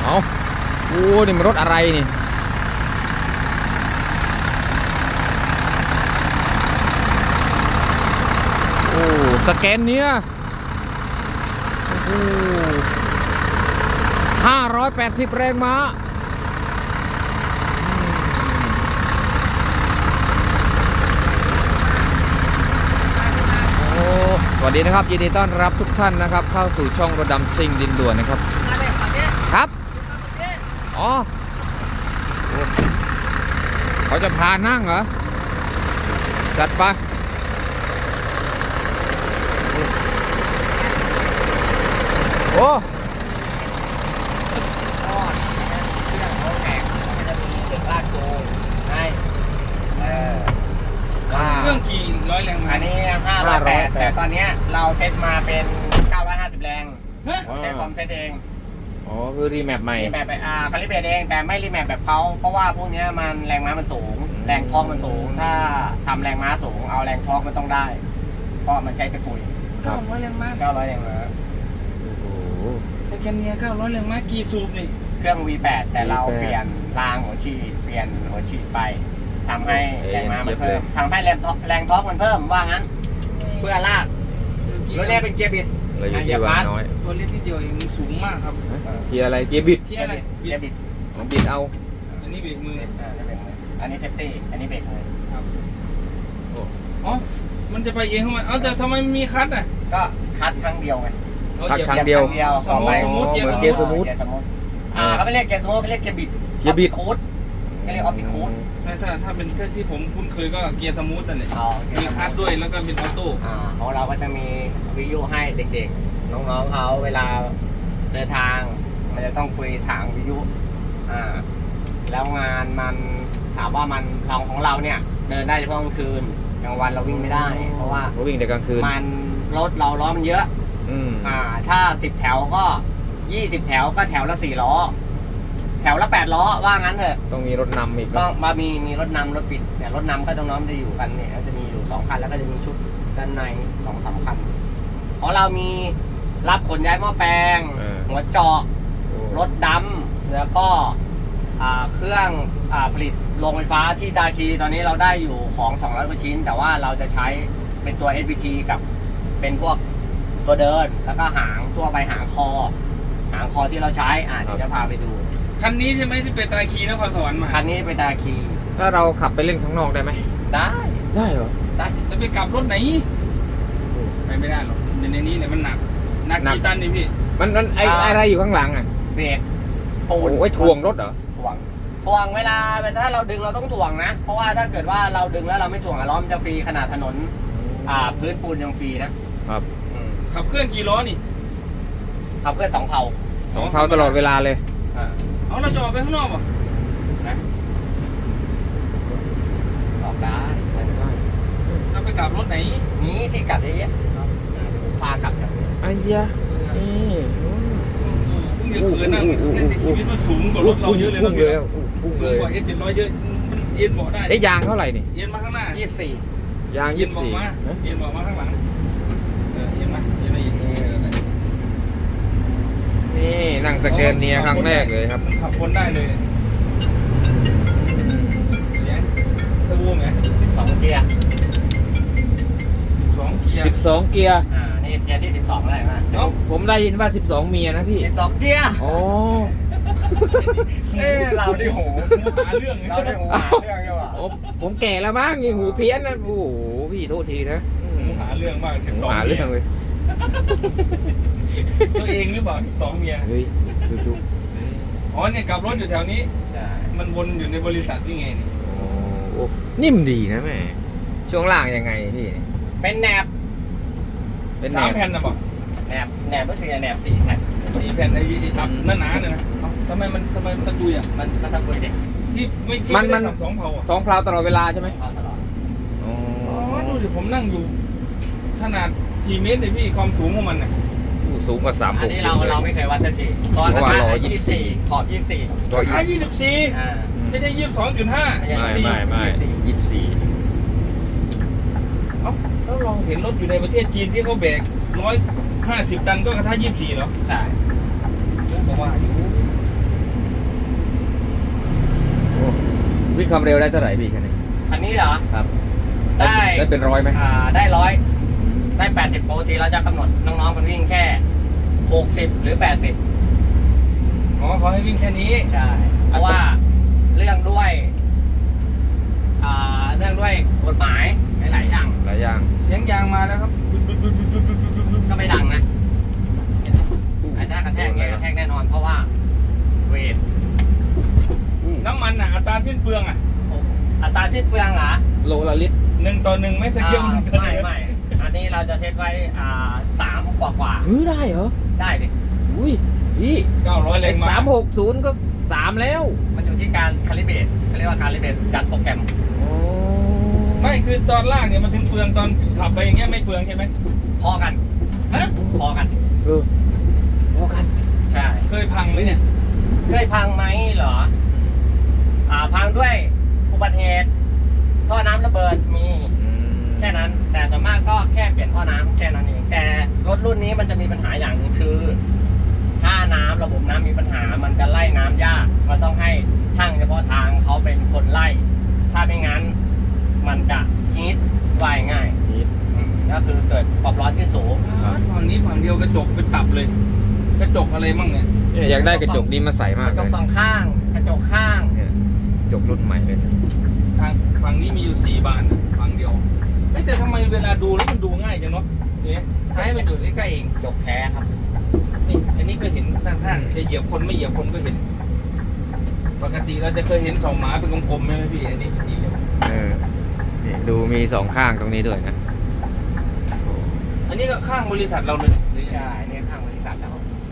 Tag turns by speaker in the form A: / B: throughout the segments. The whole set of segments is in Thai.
A: เอาโอ้นี่มันรถอะไรนี่โอ้สแกนเนี้ยโอ้580 แรงม้าโอ้สวัสดีนะครับยินดีต้อนรับทุกท่านนะครับเข้าสู่ช่องรถดำซิ่งดินด่วนนะครับครับอ๋อเขาจะพานั่งเหรอจัดไปโอ้
B: เครื่องกี่ร้อยแรงม้า
C: อันนี้508แต่ตอนนี้เราเซตมาเป็น950แรงใช้คอมเซตเอง
A: อ๋อคือรีแมปใหม่
C: รีแมปไปคาลิเบรตเองแต่ไม่รีแมปแบบเขาเพราะว่าพวกนี้มันแรงม้ามันสูงแรงทอร์กมันสูงถ้าทำแรงม้าสูงเอาแรงทอร์กมันต้องได้เพราะมันใช้ตะกุย
B: 900แรงม้า
C: 900แรงม้า
A: โอ้โห
B: แต่แค่นี้900แรงม้ากี่สูบนี่
C: เครื่อง V8 แต่เราเปลี่ยนรางหัวฉีดเปลี่ยนหัวฉีดไปทำให้แรงม้ามันเพิ่มทำให้แรงทอร์กมันเพิ่มว่างั้นเพื่อลากรถนี้เป็นเกียร์บิด
A: เราอยู่ที่วางน้อย
B: ตัวเล็กนิดเดียวเองสูงมากครับ
A: เกียร์อะไรเกียร์บิด
B: เกียร์อะไร
C: เกียร์บิด
A: ของบิดเอา
B: อันนี้เบรกมือ
C: อันนี้เซฟตี้อันนี้เบรกมือ
B: ครับอ๋อมันจะไปเองของมันเอาแต่ทำไมมีคัทอ่ะ
C: ก็คัดครั้งเดียวไง
A: คัดครั้งเดียว
B: สมมุติเกียร์
A: เหมือน
B: สม
A: เกียร์ส
B: มุ
A: มู
B: ติ
A: ท
C: เกียร์สมูทเขาไม่เรียกเกียร์สมูทเขาเรียกเกียร์บิด
A: เกียร์บิด
C: คูดเขาเรียกออปติคูด
B: ถ้าเป็นที่ผมคุ้นเคยก็เกียร์สมูทนั่นแหละ
C: อ๋อ
B: มีคัทด้วยแล้วก็เป็นออโต้
C: ของเราก็จะมีวิทยุให้เด็กๆ น้องๆเขาเวลาเดินทาง มันจะต้องคุยถางวิทยุแล้วงานมันถามว่ามันของเราเนี่ยเดินได้เฉพาะกลางคืนกลางวันเราวิ่งไม่ได้ เพราะว่า
A: เขาวิ่งแต่กลางคืน
C: มันรถเราล้อมันเยอะ ถ้า10แถวก็20แถวก็แถวละ4ล้อแถวละ8ล้อว่างั้นเถอะ
A: ต้องมีรถนำอีก
C: ต้องมามีรถนำรถปิดเนี่ยรถนำก็ต้องน้อมจะอยู่กันเนี่ยจะมีอยู่2คันแล้วก็จะมีชุดด้านใน2-3คันของเรามีรับขนย้ายหม้อแปลงหัวเจาะรถดำแล้วก็เครื่องผลิตโรงไฟฟ้าที่ตาคีตอนนี้เราได้อยู่ของ200กว่าชิ้นแต่ว่าเราจะใช้เป็นตัว SVT กับเป็นพวกตัวเดินแล้วก็หางตัวไปหางคอที่เราใช้เดี๋ยวจะพาไปดู
B: คันนี้ใช่ไหมที่เป็นตาคีนครสวรรค์มา
C: คันนี้ไปตาคี
A: ถ้าเราขับไปเล่นข้างนอกได้ไหม
C: ได้
A: ได้เหรอ
C: ได้
B: จะไปกลับรถไหนไปไม่ได้หรอกในนี้เนี่ยมันหนักกี่ตันนี่พี่
A: มันอะไรอยู่ข้างหลังอ่ะ
C: เบรกปูน
A: โอ้ยถ่วงรถเหรอ
C: ถ่วงเวลาถ้าเราดึงเราต้องถ่วงนะเพราะว่าถ้าเกิดว่าเราดึงแล้วเราไม่ถ่วงล้อมันจะฟรีขนาดถนนพื้นปูนยังฟรีนะครับ
B: ขับเคลื่อนกี่ล้อนี่
C: ขับเคลื่อน2 เผา
A: ของเขาตลอดเวลาเลย
B: เอาเราจะออกไปข้างนอกป่ะ
C: นะออกได้
B: เราไปกลับรถไหน
C: นี้ที่กลับเยอะๆพากลับจาก
A: ไอ้ยะนี่
B: เพิ่งจะเคยนั่งในชีวิตมันสูงกว่ารถเราเยอะเลย
A: พุ่งเลยพุ่ง
B: สู
A: เล
B: ง
A: ย
B: กว่า700เยอะมันเอ็นเบาะได้
A: ไอ้ยางเท่าไหร่นี่
B: เอ็นมาข้างหน้า
C: 24
A: ยาง
B: เอ็นเบาะ
A: 24
B: มาเอ็นเบาะมาข้างหลังเอ็นมาอีก
A: นี่นั่งสแกนเนียครั้งแรกเลยครับ
B: ขับคนได้เลยเสียงเทอร์โบไหม
C: 2 เกียร์
B: 2 เกียร์
A: 12 เกียร์
C: นี่เกียร์ที่12อะไรมา
B: เอ้า
A: ผมได้ยินว่า 12 เมียนะพี่
C: 12 เกียร์
A: โอ้
C: เราได้หู
B: หาเรื่อง
C: เราได้หูหาเรื่องด้วยว่ะ
A: โอ้ผมแก่แล้วมั้งยังหูเพี้ยนนะโอ้โหพี่โทษทีนะ
B: หาเรื่องมาก
A: ผม
B: 12
A: หาเรื่องเลย
B: ตัวเองหรือเปล่า12 เมีย
A: เฮ้ยจุ๊บ
B: อ๋อเนี่ยกลับรถอยู่แถวนี้ มันวนอยู่ในบริษัทนี่ไงนี่
A: โอ้นิ่มดีนะแม่ช่วงล่างยังไงพี่
C: เป็นแหนบ
A: เป็นแหน
B: 3
A: บ
B: แผ่นนะบอก
C: แหนบก็คือแหนบ4 แผ่น
B: 4 แผ่นไอ้ทับหนาๆเนี่ยนะเอ้าทำไมมันตะกุยอ่ะ
C: มันต้องคุยเด็ก
B: พี่ไม่ได้ขับ2 เผาอ่ะ
A: 2 เพลาตลอดเวลาใช่ไหม
C: ตลอด
A: อ๋อ
B: อ๋อดูดิผมนั่งอยู่ขนาดกี่เมตรเลยพี่ความสูงของมันน่ะ
A: สูงกว่า3
C: อันนี้เราไม่เคยวัดสักทีตอนนั้น24ขอบ24
B: ราคา24ไม่ใช่22.5
A: ไม่24
B: เอ้าแล้วลองเห็นรถอยู่ในประเทศจีนที่เขาแบก150 ตันก็กระทะ24เหรอ
C: ใช่
B: ผมก็ว่าอยู่
A: ความเร็วได้เท่าไหร่พี่คันนี้
C: อันนี้เหรอ
A: ครับ
C: ได้
A: ได้เป็นร้อยไหม
C: ได้100ได้80ปกติเราจะกำหนดน้องๆมันวิ่งแค่60หรือ80
B: อ๋อเขาให้วิ่งแค่นี้
C: ใช่เพราะว่าเรื่องด้วยกฎหมายหลายๆอย่าง
A: หลายอย่าง
B: เสียงยางมาแล้วครับ
C: ก็ไม่ดังนะอันนี้กระแทกเนี่ยกระแทกแน่นอนเพราะว่าเวท
B: น้ำมันอ่ะอัตราสิ้นเปลืองอ่ะ
C: อัตราสิ้นเปลืองเหรอ
A: โลละลิตร
B: 1:1ไม่สเกล1:1
C: ไม่อันนี้เราจะเซตไว้3กว่า
A: ได้เหรอ
C: ได้ดิ
A: อุ้ยพี่
B: 900แรงม้า
A: 360ก็3แล้ว
C: มันอยู่ที่การคาลิเบรตเขาเรียกว่าการคาลิเบรตจัดโปรแกรม
A: โอ้
B: ไม่คือตอนล่างเนี่ยมันถึงเปลืองตอนขับไปอย่างเงี้ยไม่เปลืองใช่ไหม
C: พอกัน
B: ฮะ
C: พอกัน
A: พอกัน
C: ใช่
B: เคยพังไหมเนี่ย
C: เคยพังไหมเหรอพังด้วยอุบัติเหตุท่อน้ำระเบิดมีแค่นั้น แต่ส่วนมากก็แค่เปลี่ยนท่อน้ำแค่นั้นเองแต่รถรุ่นนี้มันจะมีปัญหาอย่างหนึงคือ ถ้าน้ำระบบน้ำมีปัญหามันจะไล่น้ำยากมันต้องให้ช่างเฉพาะทางเขาเป็นคนไล่ ถ้าไม่งั้นมันจะฮีทไวง่ายก็คือเกิดความร้อนขึ้นสูง
B: ฝั่งนี้ฝั่งเดียวกระจกเป็นตับเลย กระจกอะไรมั่งเนี่ย
A: เนี่ยอยากได้กระจกนี้มาใส่มาก
C: กระจ
A: เล
C: ก
A: ย
C: สองข้างกระจกข้าง
A: เนี่ยกระจกรุ่นใหม่เลย
B: ทางฝั่งนี้มีอยู่4 บานฝั่งเดียวเฮ้ยแต่ทำไมเวลาดูแล้วมันดูง่ายจังเนาะเนี่ยท้ายมันอยู่ใกล้ๆเอง
C: กระจกแท้ครับ
B: นี่อันนี้ก็เห็นด้านข้างจะเหยียบคนไม่เหยียบคนก็เห็น ปกติเราจะเคยเห็น2 หมาเป็นกลมๆไหมพี่อันนี้เป็นสีเหลี่ยม
A: นี่ดูมี2ข้างตรงนี้ด้วยนะ
B: อันนี้ก็ข้างบริษัทเราเลยหรือ
C: ใช่เนี่ยข้างบริษัทแล้ว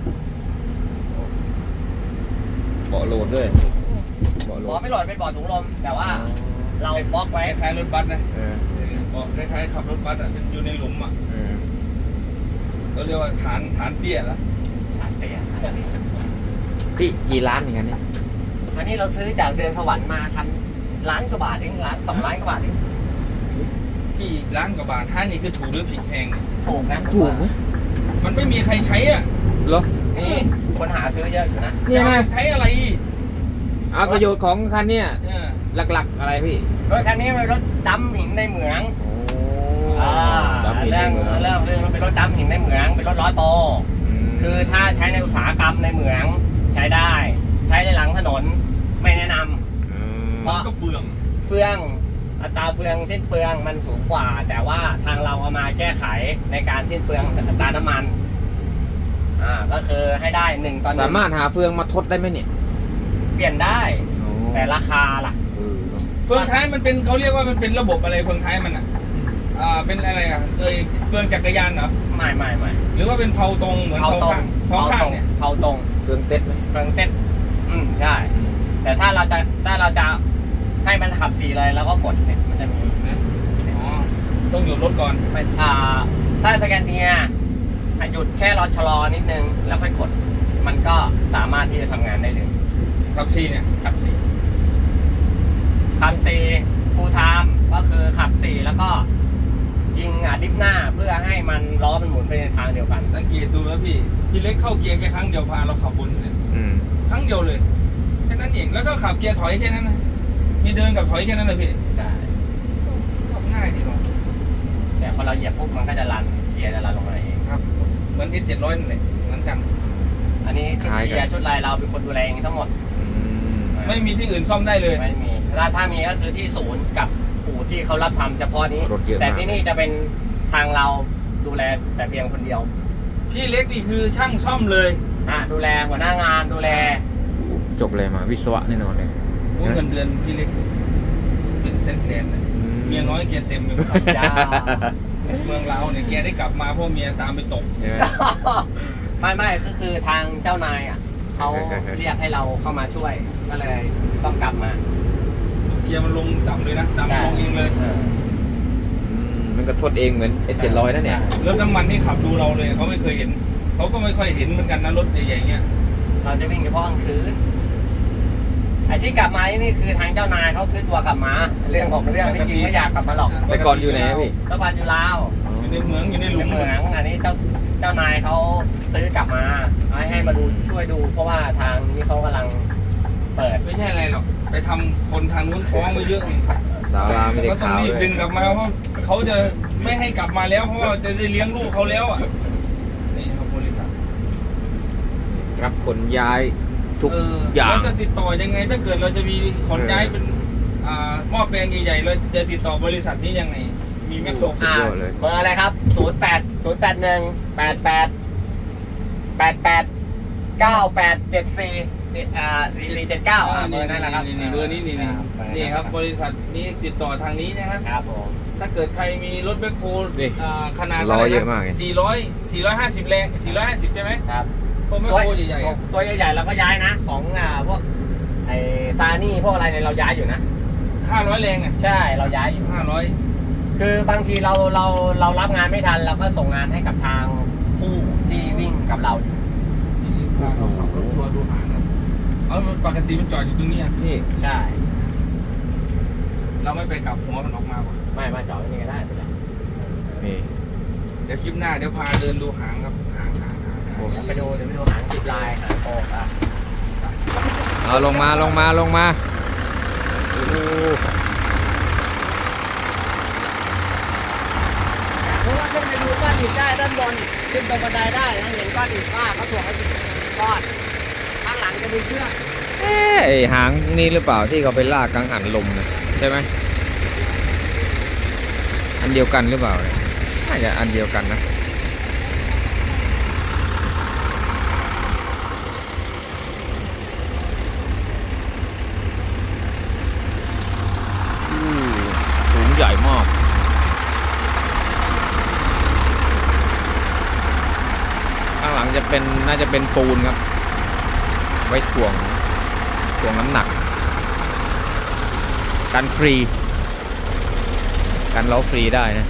A: เบาะโหลดด้วยเบาะโหล
C: บอ
A: ด
C: ไม่โหลดเป็นบอร์ดถุงลมแต่ว่าเราบล็อกไว้
B: คล้ายๆรถบัสนะ
A: เออ
B: คล้ายๆขับรถบัสอ่ะเป็นอยู่ในหลุมอ่ะ
A: เออ
B: ก็เรียกว่าฐานเตี้ยละ
C: เตีย
A: พี่กี่ล้านอย่างนั้นเนี่ย
C: คราวนี้เราซื้อจากเดือนสวรรค์มาคันล้านกว่าบาทเอง2 ล้านกว่าบาทเอง
B: ที่ร้านกับบาทท่านี่คือถูกหรือผิดแพงเนี่ย
C: ถูกนะ
A: ถูกไหม
B: มันไม่มีใครใช้อ่ะ
A: เหรอ
C: นี่คนหาซื้อเยอะอยู่นะ
A: เนี่ยนะ
B: ใช้อะไร
A: เอาประโยชน์ของคันเนี่ย
B: เออ
A: หลักๆอะไรพี่
C: รถคันนี้เป็นรถดำหินในเหมือง
A: โอ้
C: เรื่องมันเป็นรถดำหินในเหมืองเป็นรถล้อโต คือถ้าใช้ในอุตสาหกรรมในเหมืองใช้ได้ ใช้ในหลังถนนไม่แนะนำ เพราะ
B: ก็เปลือง
C: เฟืองอัตราเฟืองสิ้นเปลืองมันสูงกว่า แต่ว่าทางเราเอามาแก้ไขในการสิ้นเปลืองอัตราน้ำมันก็คือให้ได้1:1
A: สามารถหาเฟืองมาทดได้ไหมเนี่ย
C: เปลี่ยนได้แต่ราคาล่ะ
B: เฟืองท้ายมันเป็นเขาเรียกว่ามันเป็นระบบอะไรเฟืองท้ายมันอ่ะเป็นอะไรอ่ะเฟืองจักรยานเหรอ
C: ไม่
B: หรือว่าเป็นเผาตรงเหมือน
C: เผา
B: เผา
C: ตรง
B: ข้างเนี่ย
C: เผาตรง
A: เฟืองเต็ดไหม
C: เฟืองเต้นใช่ แต่ถ้าเราจะให้มันขับ4เลยแล้วก็กดเนี่ยมันจะมี
B: อ๋อต้องหยุดรถก่อน
C: เป็นถ้าสแกนเนียหยุดแค่รอชะลอนิดนึงแล้วค่อยกด มันก็สามารถที่จะทำงานได้เลย
B: ขับซีเนี่ย
C: ขับ4ฟูลไทม์ก็คือขับ4แล้วก็ยิงดิฟหน้าเพื่อให้มันล้อมันหมุนไปในทางเดียวกัน
B: สังเกตดูแล้วพี่เล็กเข้าเกียร์แค่ครั้งเดียวพาเราขับบนเนี่ย ครั้งเดียวเลยแค่นั้นเองแล้วก็ขับเกียร์ถอยแค่นั้นนะมีเดินกับถอยแค่นั้นเลยพี่
C: ใช่
B: ขับง่ายดีเนาะ
C: แต่พอเราเหยียบปุ๊บมันก็จะรันเกียร์จะรันลงมาเอง
B: ครับเหมือน S700นั่นแหละเหมือนกัน
C: อันนี้ชุดเกียร์ชุดลายเราเป็นคนดูแลเองทั้งหมด
B: ไม่มีที่อื่นซ่อมได้เลย
C: ไม่มีถ้ามีก็คือที่ศูนย์กับอู่ที่เขารับทำเฉพาะนี้
A: รถเยอะมาก
C: แต่ที่นี่จะเป็นทางเราดูแลแต่เพียงคนเดียว
B: พี่เล็กนี่คือช่างซ่อมเลย
C: ดูแลหัวหน้างานดูแล
A: จบเลยมาวิศวะแน่นอนเลย
B: โอ้เงินเดือนพี่เล็กเป็นแสนๆเลยเมียน้อยเกียร์เต็มเลย
C: จ้า
B: เมืองเราเนี่ยแกได้กลับมาเพราะเมียตามไปตก
A: ใช่ไหม
C: ไม่ก็คือทางเจ้านายเขาเรียกให้เราเข้ามาช่วยก็เลยต้องกลับมา
B: เกียร์มันลงต่ำเลยนะต่ำลงเองเลย
A: มันก็ทดเองเหมือน S700 นั่นเนี่ย
B: รถน้ำมันที่ขับดูเราเลยเขาไม่เคยเห็นเขาก็ไม่ค่อยเห็นเหมือนกันนะรถใหญ่ๆเงี้ย
C: เราจะวิ่งเฉพาะกลางคืนไอ้ที่กลับมานี่คือทางเจ้านายเขาซื้อตัวกลับมา เรื่องของเรื่องที่จริงไม่อยากกลับมาหรอก
A: แต่ก่อนอยู่ไหนพี่
C: เมื่อก่อนอยู่ลาว
B: อยู่ในเมืองอยู่ในหลุม
C: เหมืองอันนี้เจ้านายเขาซื้อกลับมาให้มาดูช่วยดู เพราะว่าทางนี้เขากำลังเปิด
B: ไม่ใช่อะไรหรอกไปทำคนทางนู้นท้องไปเยอะไง
A: สาวลาวไม่ได้
B: ก็ต้อง
A: ข่าว
B: รีบ
A: เลย
B: ดึงกลับมาเพราะเขาจะไม่ให้กลับมาแล้วเพราะว่าจะได้เลี้ยงลูกเขาแล้วอ่ะนี่ครับบริษัท
A: รับขนย้ายทุกอย่าง
B: เราจะติดต่อยังไงถ้าเกิดเราจะมีขนย้ายเป็นหม้อแปลงใหญ่ๆเราจะติดต่อบริษัทนี้ยังไงมีไหมส่ง
A: สุดยอดเลย
C: เบอร์อะไรครับ 0801889894 4479เบอร์นั่นแหละครับ
B: นี่เบอร์นี้นี่ครับบริษัทนี้ติดต่อทางนี้นะครับ
C: ครับผม
B: ถ้าเกิดใครมีรถแบคโฮ
A: นี่
B: ขนาด
A: ล้อเยอะมากเลย
B: 450 แรง 450 ใช่ไหม
C: ครับ
B: พวกแบคโฮใหญ่ๆอะ
C: ตัวใหญ่ๆเราก็ย้ายนะของพวกไอ้ซานี่พวกอะไรเนี่ยเราย้ายอยู่นะ
B: 500 แรงอ่ะ
C: ใช่เราย้ายอยู่
B: 500
C: คือบางทีเรารับงานไม่ทันเราก็ส่งงานให้กับทางผู้ที่วิ่งกับเราอยู่
B: พาเขาขับรถทัวร์ดูหางนะเอาปกติมันจอดอยู่ตรงนี้อะ
A: พี่
C: ใช่
B: เราไม่ไปกลับหัวมันออกมาป่ะ
C: ไม่จอดที่นี่ก็ได้ไปเลย
A: นี่
B: เดี๋ยวคลิปหน้าเดี๋ยวพาเดินดูหางครับหาง
C: เดี๋ยวไปดูหางสิบลายหางโปกอ่ะ
A: เอาลงมาโอ้โห
C: เพราะว่าขึ้นไปดูก้อนหินได้ด้านบนขึ้นตรงบันไดได้นะเห็นก้อนหินว่าเขาถ่วงให้เป็นก้อนข้างหลังจะมีเชือก
A: เอ๊ะไอหางนี่หรือเปล่าที่เขาไปลากกังหันลมนะใช่ไหมอันเดียวกันหรือเปล่าเนี่ยน่าจะอันเดียวกันนะสูงใหญ่มากข้างหลังจะเป็นน่าจะเป็นปูนครับ ไว้ถ่วงน้ำหนักกันฟรีกันล้อฟรีได้นะ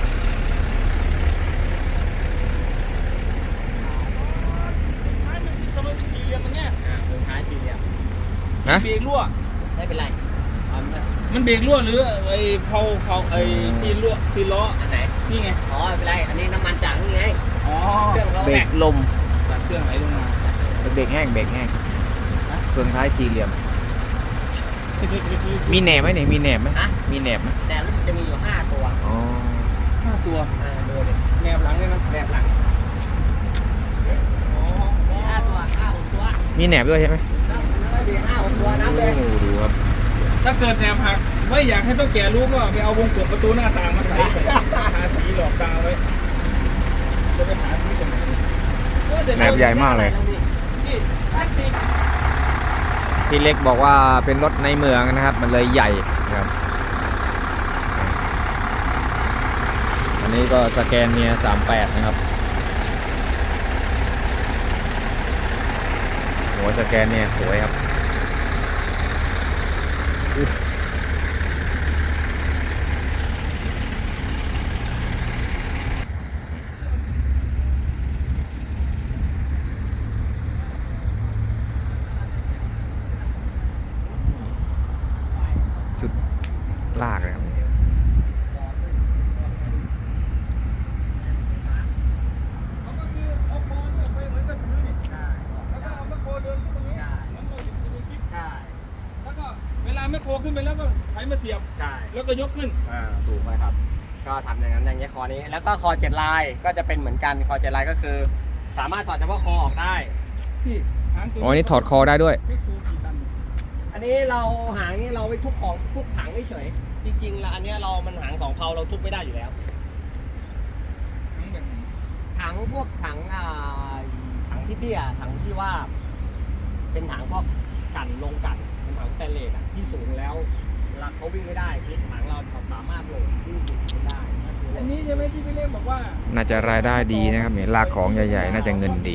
B: ทำไมเป็นสี่เหลี่ยมอย่างเงี้ย
C: มือท้ายสี่เหลี่ยม
A: นะ
B: เบรกรั่ว
C: ไม่เป็นไรเอาเถอะ
B: มันเบรกรั่วหรือไอ้เขาไอ้ซีนรั่วซีนล้อ
C: อันไหน
B: นี่ไง
C: อ๋อไม่เป็นไรอันนี้น้ำมันจากนี่ไง
B: อ๋อ
C: เครื่องเขา
A: เบร
C: แบ
A: ก
C: ก
A: ลม
B: จากเครื่องไหลลงมา
A: เบรกแห้งเฟืองท้ายสี่เหลี่ยม มีแหนบไหมเนี่ยมีแหนบไหม
C: ฮะ
A: มีแหนบไหม
C: แต่รู้สึกจะมีอยู่5 ตัว
A: อ๋อ
B: 5 ตัว
C: ดูดิ
B: แนบหลังเลยนะ
C: แบบหลัง
B: อ๋อ
C: มี5 ตัว5-6 ตัว
A: มีแหนบด้วยใช่ไหม
C: มี5-6 ตัวนับเลย
A: โอ้โหดูครับ
B: ถ้าเกิดแนบหักไม่อยากให้ต้องแก่รู้ก็ไปเอาวงกบประตูหน้าต่างมาใส่หาสีหลอกตาไว้จะไปหาสีตรงไหนเดี๋ยว
A: แหนบใหญ่มากเลย
B: นี่แท็กซี่
A: พี่เล็กบอกว่าเป็นรถในเมืองนะครับ มันเลยใหญ่ครับ อันนี้ก็สแกนเนีย38นะครับหัวสแกนเนียสวยครับชุดลากเลยครับ
B: เขาก็คือเอาคอเนี่ยไปเหมือนกระสือนี่แล้วก็เอาแมคโครเดินขึ้นตรงนี้เหมือนเราอยู่ในคลิป
C: ใช่
B: แล้วก็เวลาแมคโครขึ้นไปแล้วก็ใช้มาเสียบ
C: ใช่
B: แล้วก็ยกขึ้น
C: ถูกไหมครับ ก็ทำอย่างนั้นอย่างเงี้ยคอนี้ แล้วก็คอ7 ลายก็จะเป็นเหมือนกันคอ7 ลายก็คือ สามารถถอดเฉพาะคอออกได้
B: พี่หางตัว
A: อ๋อนี่ถอดคอได้ด้วย
B: แมคโครกี่ตัน
C: อันนี้เราหางนี่เราไว้ทุกของทุกถังเฉยๆจริงๆแล้วอันเนี้ยเรามันหางของเขาเราทุบไม่ได้อยู่แล้ว
B: หางแบบไหน
C: ถังพวกถังถังที่เตี้ยถังที่ว่า เป็นถังพวกกันลงกันเป็นถังสแตนเลสอะที่สูงแล้วเวลาเขาวิ่งไม่ได้คือถังเราสามารถโหลดวิ่งขึ้นได้ก็คือโหล
B: อั
C: ด
B: นนี้ใช่ไหมที่พี่เล่มบอกว่า
A: น่าจะรายได้ดีนะครับเนี่ยลากของใหญ่ๆ น่าจะเงินดี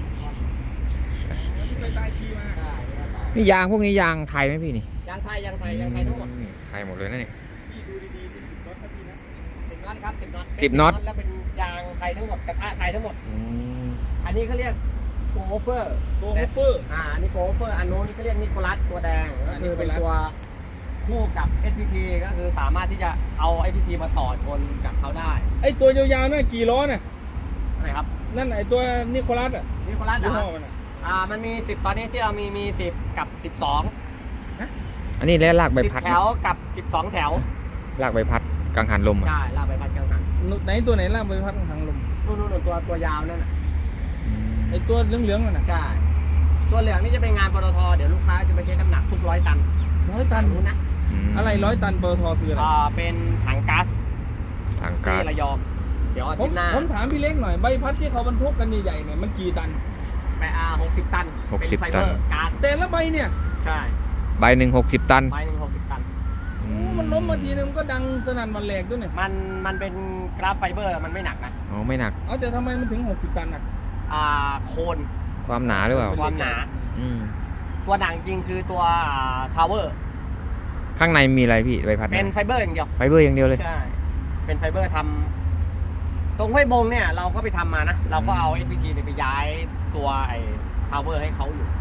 B: ที่ไปตายทีมา
C: ได้ไม่ได้ต่อ
A: นี่ยางพวกนี้ยางไทยไหมพี่นี่
C: ยางไทยทั้งหมด
A: ไทยหมดเลยนะนี่
B: พี่ดูดีๆดูรถครับพี่นะ
C: 10 น็อตครับ10 น็อต
A: 10 น็อต
C: แล้วเป็นยางไทยทั้งหมดกระทะไทยทั้งหมด
A: อืม
C: อันนี้เขาเรียกโกเฟอร์
B: โกโฮเฟอร์
C: อันนี้โกเฟอร์อันโน้นนี่เขาเรียกนิโคลัสตัวแดงก็คือเป็น
B: นิโคลัส
C: ตัวคู่กับ SPT ก็คือสามารถที่จะเอา SPT มาต่อชนกับเขาได้
B: ไอตัวยาวๆนั่นกี่ล้อน่ะ
C: อะไรครับ
B: นั่นไอตัวนิโคลัสอ่ะ
C: นิโคลัส
B: ยี่
C: นะ
B: ห้อมันอ่ะ
C: มันมี10ตอนนี้ที่เรามี10กับ12
A: อันนี้แล้วลากใบ
C: 10
A: พัด
C: แถวกับ 12 แถว
A: ลากใบพัดกังหันลมอะ
C: ใช่ลากไปพัดกลางหัน
B: ไหนตัวไหนลากใบพัดทางลม
C: นู่นตัวยาวนั่นน่ะ
A: อืม
B: ไอตัวเหลืองๆนั่นน่ะ
C: ใช่ ตัวเหลืองนี่จะเป็นงานปตทเดี๋ยวลูกค้าจะไปเช็คน้ำหนักทุก100 ตัน
B: 100 ตัน
C: รู้นะ
B: อะไร100 ตันปตทคืออะไร
C: เป็นถังก๊าซ
A: ทางก๊า
C: ที่
A: ซ
C: ระยองเดี๋ยวอา
B: ผ
C: ทิ
B: ม
C: ตย์หน้า
B: ผมถามพี่เล็กหน่อยใบพัดที่เขาบรรทุกกันใหญ่ๆเนี่ยมันกี่ตัน
C: ไป60 ตันเป็นไฟเบอร์ก๊าซ
B: แต่ละใบเนี่ย
C: ใช่
A: ใบหนึ่ง60 ตัน
C: ใบหนึ่ง60 ตัน
B: โอ้มันล้มมาทีนึงมันก็ดังสนั่นหวันแหลกด้วยเนี่ย
C: มันเป็นกราฟไฟเบอร์มันไม่หนักนะ
A: อ๋อไม่หนัก
B: เอาแต่ทำไมมันถึง60 ตันอ่ะ
C: โคน
A: ความหนาหรือเปล่า
C: ความหนา
A: อืม
C: ตัวหนังจริงคือตัวทาวเวอร์
A: ข้างในมีอะไรพี่ใบพัด
C: เป็นไฟเบอร์อย่างเดียว
A: ไฟเบอร์อย่างเดียวเลย
C: ใช่ เป็นไฟเบอร์ทำตรงห้วยบงเนี่ยเราก็ไปทำมานะ เราก็เอา SPT เนี่ยไปย้ายตัวไอ้ทาวเวอร์ให้เขาอยู่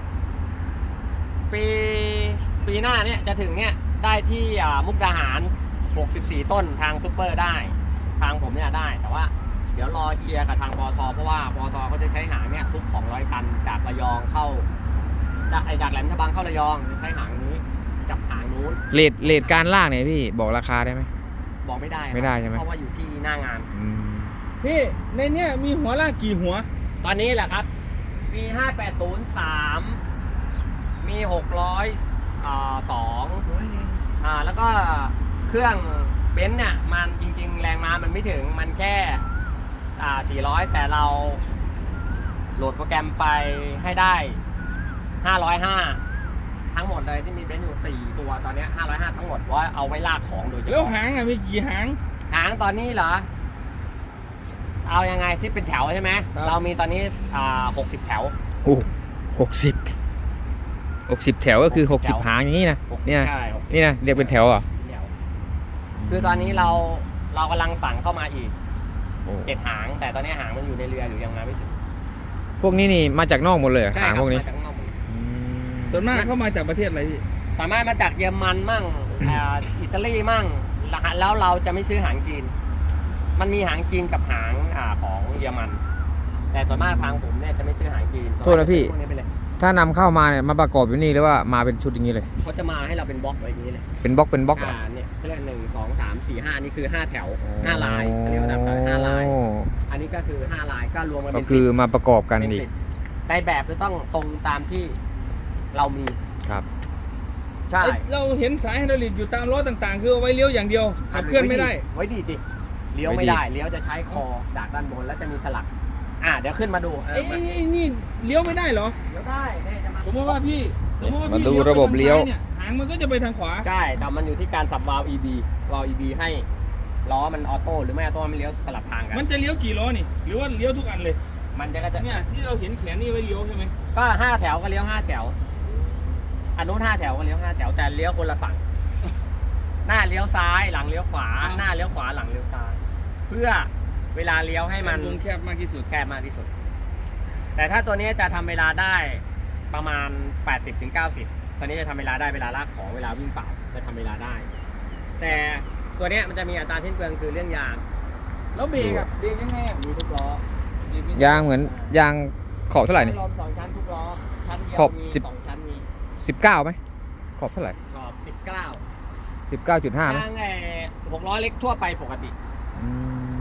C: ปีหน้าเนี่ยจะถึงเนี่ยได้ที่มุกดาหาร 64 ต้นทางซุปเปอร์ได้ ทางผมเนี่ยได้ แต่ว่าเดี๋ยวรอเคลียร์กับทางปตทเพราะว่าปตทเขาจะใช้หางเนี่ยทุก 200 ตันจากระยองเข้าจากแหลมฉบังเข้าระยองจะใช้หางนี้กับหางนู้น
A: เลทการลากเนี่ยพี่บอกราคาได้ไหม
C: บอกไม่ได้ครับ
A: ไม่ได้ใช่ไหม
C: เพราะว่าอยู่ที่หน้างาน
A: อืม
B: พี่ในเนี้ยมีหัวลากกี่หัว
C: ตอนนี้แหละครับ มี 5803 มี 602แล้วก็เครื่องเบนซ์เนี่ยมันจริงๆ แรงม้ามันไม่ถึงมันแค่400 แต่เราโหลดโปรแกรมไปให้ได้ 505 ทั้งหมดเลยที่มีเบนซ์อยู่ 4 ตัวตอนเนี้ย505 ทั้งหมดเพราะว่าเอาไว้ลากของโดยเฉ
B: แล้ว
C: พาะ
B: หางอ่ะมีกี่หาง
C: หางตอนนี้เหรอ เอายังไงที่เป็นแถวใช่ไหม
B: ครับ
C: เรามีตอนนี้60 แถว
A: โอ้60แถวก็คือ
C: 60
A: 60 หางอย่างนี้นะ
C: 60
A: เนี่ย
C: ใช่60
A: นี่นะเรียกเป็นแถวเหรอ
C: แถวคือตอนนี้เรากำลังสั่งเข้ามาอีก
A: โอ้
C: 7 หาง แต่ตอนนี้หางมันอยู่ในเรืออยู่ยังมาไม่ถึง
A: พวกนี้นี่มาจากนอกหมดเลยเหรอ
C: ใช่
A: หาง
C: ครับ
A: พวกนี้
C: มาจากข้างนอกหมดเลย
A: อืม
B: ส่วนมากเข้ามาจากประเทศอะไรพี่
C: สามารถมาจากเยอรมันมั่งอิตาลีมั่งแล้วเราจะไม่ซื้อหางจีน มันมีหางจีนกับหางของเยอรมัน แต่ส่วนมากทางผมเนี่ยจะไม่ซื้อหางจีน
A: โทษนะพี่
C: พวกนี้ไปเลย
A: ถ้านำเข้ามาเนี่ยมาประกอบอยู่นี่หรือว่ามาเป็นชุดอย่างนี้เลย
C: เขาจะมาให้เราเป็นบล็อกไว้อย่างนี้เลย
A: เป็นบล็อกเหรอ
C: เนี่ยเขาเรียก1 2 3 4 5นี่คือ5แถว5ลายเขาเรียกว่า5ลาย
A: โอ้
C: อันนี้ก็คือ5ลายก็รวมกัน
A: ก็
C: เป็น
A: คือ
C: 10
A: มาประกอบกัน
C: เป็น
A: อีก
C: 10ในแบบจะต้องตรงตามที่เรามี
A: ครับ
C: ใช่
B: เอ้ยเราเห็นสายไฮดรอลิกอยู่ตามล้อต่างๆ คือเอาไว้เลี้ยวอย่างเดียวขับเคลื่อนไม่ได้
C: ไว้ดีดิเลี้ยวไม่ได้เลี้ยวจะใช้คอจากด้านบนแล้วจะมีสลักเดี๋ยวขึ้นมาดู
B: ไอ้นี่เลี้ยวไม่ได้เหรอ
C: เลี้ยวได้เนี่ยจะมา
B: สมมติว่าพี่
A: มาดูระบบเลี้ยว
B: ไปทางซ้านี่หางมันก็จะไปทางขวา
C: ใช่แต่มันอยู่ที่การสับวาล์ว EB ให้ล้อมันออโต้หรือไม่ออโต้มันเลี้ยวสลับทางกัน
B: มันจะเลี้ยวกี่ล้อนี่ หรือว่าเลี้ยวทุกอันเลย
C: มันจะ
B: เนี่ยที่เราเห็นแขนนี่ไว้เลี้ยวใช่ไหม
C: ก็5แถวก็เลี้ยว5แถวอันนู้น5แถวก็เลี้ยว5แถวแต่เลี้ยวคนละฝั่งหน้าเลี้ยวซ้ายหลังเลี้ยวขวา หน้าเลี้ยวขวาหลังเลี้ยวซ้าย เพื่อเวลาเลี้ยวให้มัน
B: วงแคบมากที่สุด
C: แคบมากที่สุด แต่ถ้าตัวนี้จะทำเวลาได้ประมาณ 80-90 ตอนนี้จะทำเวลาได้เวลาลากของเวลาวิ่งเปล่าจะทำเวลาได้ แต่ตัวเนี้ยมันจะมีอัตราสิ้นเปลืองคือเรื่องยาง
B: แล้วเบรกอะเบรกยังไงอะ
C: มีทุกล้อ
A: ยางเหมือนยางขอบเท่าไหร่นี่
C: ลม2 ชั้นทุกล้อชั้นเดียว
A: ขอบ
C: มี
A: 10
C: 2 ชั้นมี
A: 19ไหมขอบเท่าไหร่
C: ขอบ
A: 19.5
C: 19
A: ไหม
C: ยาง6ล้อเล็กทั่วไปปกติ
A: อืม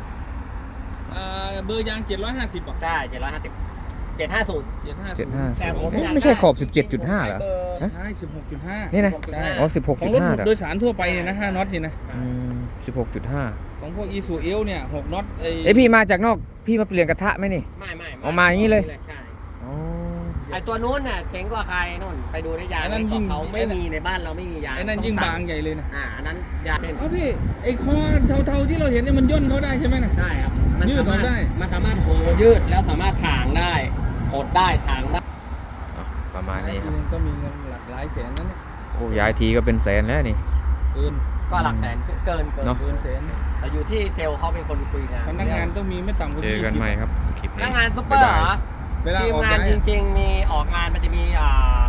B: เบอร์ยาง750ป่ะ
C: ใช่750 750
B: 750
C: แต่ผม
A: ไม่ใช่ขอบ 17.5เหรอ ฮะ
B: ใช่ 16.5
A: นี่นะ
C: 16.5
A: อ๋อ
B: ของรถ
A: 16.5เหรอ
B: โดยสารทั่วไปเนี่ยนะ5น็อตนี่นะ
A: อืม16.5
B: ของพวกอีซูเอลเนี่ย6น็อต
A: เอ้ยพี่มาจากนอกพี่มาเปลี่ยนกระทะไหมนี่
C: ไม่
A: เอามาอย่างนี้เลย
C: ใช่
A: อ๋อ
C: ไอตัวนู้นน่ะเจ๋งกว่าใครนู่นไปดูได้ยาง
B: อันนั้นยิ่ง
C: เขาไม่มีในบ้านเราไม่มียาง
B: ไอ้นั่น
C: ต้
B: ยิ่ง
C: สั่
B: บางใหญ่เลยนะ
C: อันนั้นยางเส้น
B: อ๋อพี่ไอ้คอเทาๆที่เราเห็นเนี่ยมันย่นเขาได้ใช่ไหมนะ
C: ได้ครับ
B: ยืดออกได้
C: มันสามารถโหยืดแล้วสามารถถางได้หดได้ถางได้
A: อ่ะประมาณนี้ค
B: ที
A: รับ
B: นึงก็มีเงินหลักหลายแสนนั่นเนี่ย
A: โอ้ย้ายทีก็เป็นแสนแล้วนี่
B: เกิน
C: ก็หลักแสนเกิน
A: เนอะ
B: เกินแสน
C: แต่อยู่ที่เซลล์เขาเป็นคนคุยงาน
B: พนักงานต้องมีไม่ต่ำกว่า
A: เจอกันใหม่ครับคลิป
C: พ
A: นี้
C: นักงานซุปเปอร์เหรอ
B: เวลา
C: ทีม
B: ออก
C: งาน
B: ย้าย
C: จริงๆมีออกงานมันจะมี